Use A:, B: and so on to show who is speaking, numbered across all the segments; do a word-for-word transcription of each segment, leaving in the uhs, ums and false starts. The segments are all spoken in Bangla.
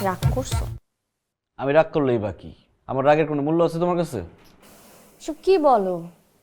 A: রাগ করছো?
B: আমি রাগ করলেই বাকি, আমার রাগের কোনো মূল্য আছে তোমার কাছে?
A: সব কি বলো?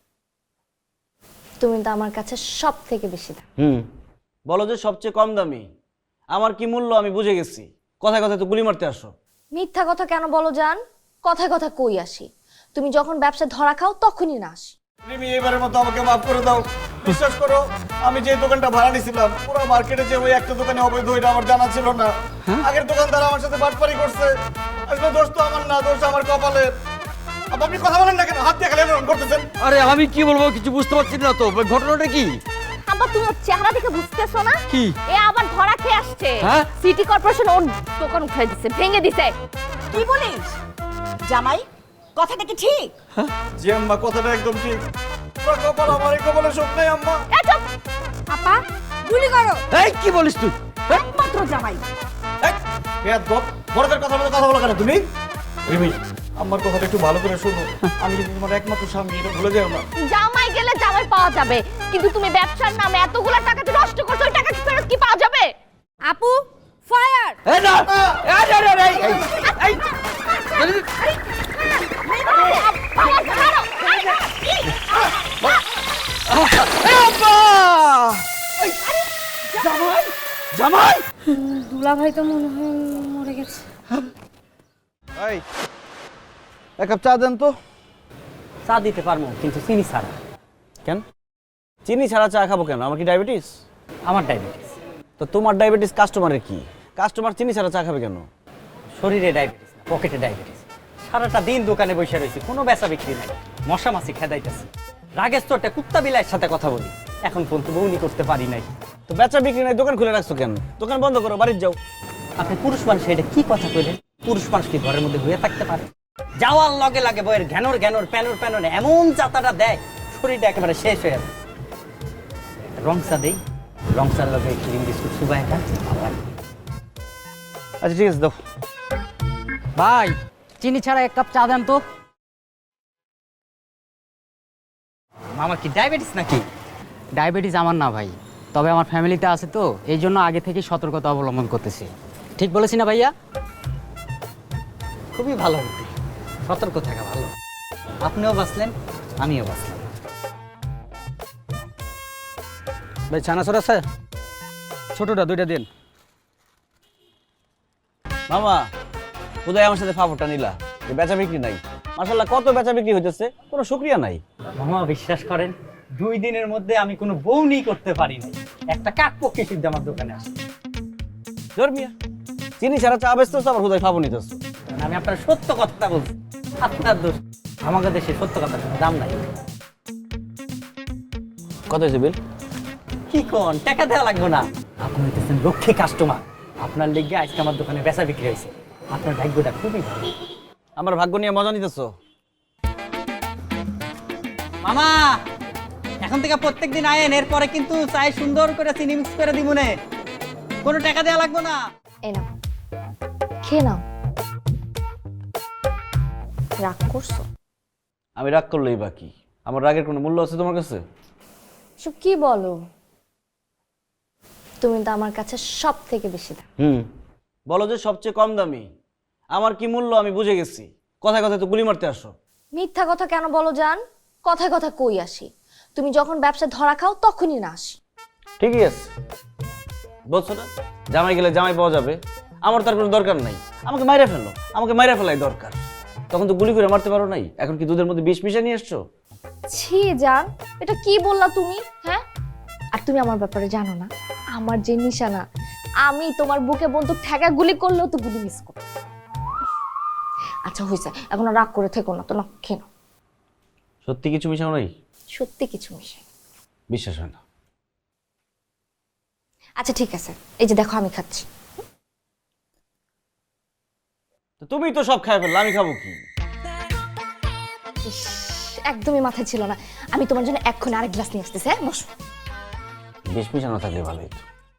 A: তুমি তো আমার কাছে সব থেকে বেশি দাম।
B: হুম, বলো যে সবচেয়ে কম দামি। আমার কি মূল্য আমি বুঝে গেছি, কথায় কথায় তো গুলি মারতে আসো।
A: মিথ্যা কথা কেন বলো জান? কথায় কথা কই আসি? তুমি যখন ব্যবসা ধরা খাও তখনই না আসি।
C: রিমি, এবারের মতো আমাকে মাফ করে দাও। বিশ্বাস করো, আমি যে দোকানটা ভাড়া নিয়েছিলাম পুরো মার্কেটে যে ওই একটা দোকানে অবৈধ এটা আমার জানা ছিল না। আগের দোকানদার আমার সাথে বাটপারি করছে। আসলে দোষ তো আমার না, দোষ আমার কপালে। আপনি কথা বলেন না কেন? হাত দিয়ে খালি এরকম করতেছেন।
D: আরে আমি কি বলবো কিছু বুঝতে পারছি না তো, ঘটনাটা কি?
A: আব্বা তুমি ওর চেহারা দেখে বুঝতেছো না?
D: কি?
A: এ আবার ধরা খেয়ে আসছে।
D: হ্যাঁ?
A: সিটি কর্পোরেশন ওর দোকান উঠাই দিছে, ভেঙে দিছে।
E: কি বলিস জামাই? কথাটা কি ঠিক?
C: জি আম্মা, কথাটা একদম ঠিক। পুরো কপাল আমার, এই কপালে শোক নাই আম্মা।
A: এ চুপ! আপা গুলি করো।
D: এই কি বলিস তুই?
E: একমাত্র জামাই।
C: এই, বেয়াদব, বড়দের কথা বলে কথা বলো কেন তুমি? রিমি, আমার কথাটা একটু ভালো করে শোনো। আমি কিন্তু তোমার একমাত্র স্বামী, এটা ভুলে যাও না।
A: জামাই গেলে জামাই পাওয়া যাবে, কিন্তু তুমি ব্যবসার নামে এতগুলা টাকা যে নষ্ট করছো, ওই টাকা কি ফেরত কি পাওয়া যাবে? আপু ফায়ার!
D: এই না, এই না, না, এই এই এই আব্বা! জামাই জামাই
A: দুলা ভাই তো মনে হয় মরে গেছে।
B: এই এক কাপ চা দেন তো।
F: চা দিতে পারবো, কিন্তু চিনি ছাড়া।
B: কেন? চিনি ছাড়া চা খাবো কেন? আমার কি ডায়াবেটিস?
F: আমার ডায়াবেটিস।
B: তো তোমার ডায়াবেটিস কাস্টমারের কি? কাস্টমার চিনি ছাড়া চা খাবে কেন?
F: শরীরে ডায়াবেটিস না, পকেটে ডায়াবেটিস। সারাটা দিন দোকানে বসে রয়েছি, কোনো বেচা বিক্রি নাই। মশা মাছি খেদাইতেছি। রাগের চোটে কুত্তা বিলাইয়ের সাথে কথা বলি, এখন পর্যন্ত বউনি করতে পারি নাই।
B: তো বেচা বিক্রি নাই, দোকান খুলে রাখছো কেন? দোকান বন্ধ করো, বাড়ির যাও।
F: আপনি পুরুষ মানুষ, এটা কি কথা কইলেন? পুরুষ মানুষ কি ঘরের মধ্যে হয়ে থাকতে পারে? যাওয়ার লগে লাগে বইয়ের ঘ্যানোর ঘ্যানোর প্যানোর প্যানোর এমন চাতাটা দেয়, শরীরটা একেবারে শেষ হয়ে যাবে। রংসা দেই, রংসার লগে ক্রিম বিস্কুট সুবাই খান, ভালো লাগে।
B: আচ্ছা ঠিক আছে, দাও।
G: ভাই চিনি ছাড়া এক কাপ চা দেন তো।
F: মামা কি ডায়াবেটিস নাকি?
G: ডায়াবেটিস আমার না ভাই, তবে আমার ফ্যামিলিতে আছে তো, এই জন্য আগে থেকে সতর্কতা অবলম্বন করতেছি। ঠিক বলেছি না ভাইয়া?
F: খুবই ভালো বুদ্ধি, সতর্ক থাকা ভালো। আপনিও বাঁচলেন, আমিও বাঁচলাম।
D: ভাই ছানাছর আছে? ছোটটা দুইটা দিন।
B: মামা কোথায় আমার সাথে ফাফরটা নিলা? যে বেচা বিক্রি নাই। মাশাআল্লাহ কত বেচা বিক্রি হইতেছে, কোনো শুকরিয়া নাই।
F: মামা বিশ্বাস করেন, দুই দিনের মধ্যে আমি কোনো বউনি করতে পারি নাই। একটা কাক পক্ষী সিদ্ধ আমার দোকানে আসে।
B: ধর্মিয়া চিনি ছাড়া চা বেচতেছো, আবার কোথায় ফাফর নিতেছো?
F: আমি আপনার সত্য কথাটা বলছি, আপনার দোষ। আমাদের দেশে সত্য কথার কোনো দাম নাই।
B: কত হয়েছে বিল?
F: কি কোন টাকা দেওয়া লাগবে না? আপনি হইতেছেন লক্ষ্মী কাস্টমার, আপনার লেগে আজকে আমার দোকানে বেচা বিক্রি হয়েছে। আপনার ভাগ্যটা খুবই ভালো।
B: আমার ভাগ্য নিয়ে মজা নিতেছো?
F: মামা এখন থেকে প্রত্যেকদিন আয়েন, এরপরে কিন্তু চাই সুন্দর করে চিনি মিক্স করে দিবনে, কোনো টাকা দেওয়া লাগবে না।
A: এই নাও, খেয়ে নাও। রাগ করছো?
B: আমি রাগ করলেই বাকি, আমার রাগের কোনো মূল্য আছে তোমার কাছে?
A: সব কি বলো? তুমি তো আমার কাছে সব থেকে বেশি দাম।
B: হুম, বলো যে সবচেয়ে কম দামি। আমার কি মূল্য আমি বুঝে গেছি, কথায় কথায় তো গুলি মারতে আসো।
A: মিথ্যা কথা কেন বলো জান? কথায় কথা কই আসি? তুমি যখন ব্যবসা ধরা খাও তখনই না আসি।
B: ঠিকই আছে, বলছো না জামাই গেলে জামাই পাওয়া যাবে। আমার তার কোনো দরকার নাই, আমাকে মাইরা ফেলো, আমাকে মাইরা ফেলাই দরকার। তখন তো গুলি করে মারতে পারো নাই, এখন কি দুধের মধ্যে বিষ মিশিয়ে নিয়ে এসছো?
A: ছি জান, এটা কি বললা তুমি? হ্যাঁ, আর তুমি আমার ব্যাপারে জানো না, আমার যে নিশানা, আমি তোমার বুকে বন্দুক ঠেকা গুলি করলেও তো গুলি মিস করো। আচ্ছা হয়েছে, এখন আর রাগ করে থেকো না তো, না খেয়ে নাও।
B: সত্যি কিছু মিশাও নাই?
A: সত্যি কিছু মিশাই।
B: বিশ্বাস হয় না।
A: আচ্ছা ঠিক আছে, এই যে দেখো আমি খাচ্ছি।
B: তো তুমি তো সব খাই ফেললে, আমি খাবো কি?
A: ইস, একদমই মাথায় ছিল না। আমি তোমার জন্য এক্ষুনি আরেক গ্লাস নিয়ে আসতেছি। হ্যাঁ বসো।
B: বিষ মিশানো থাকলে ভালোই তো।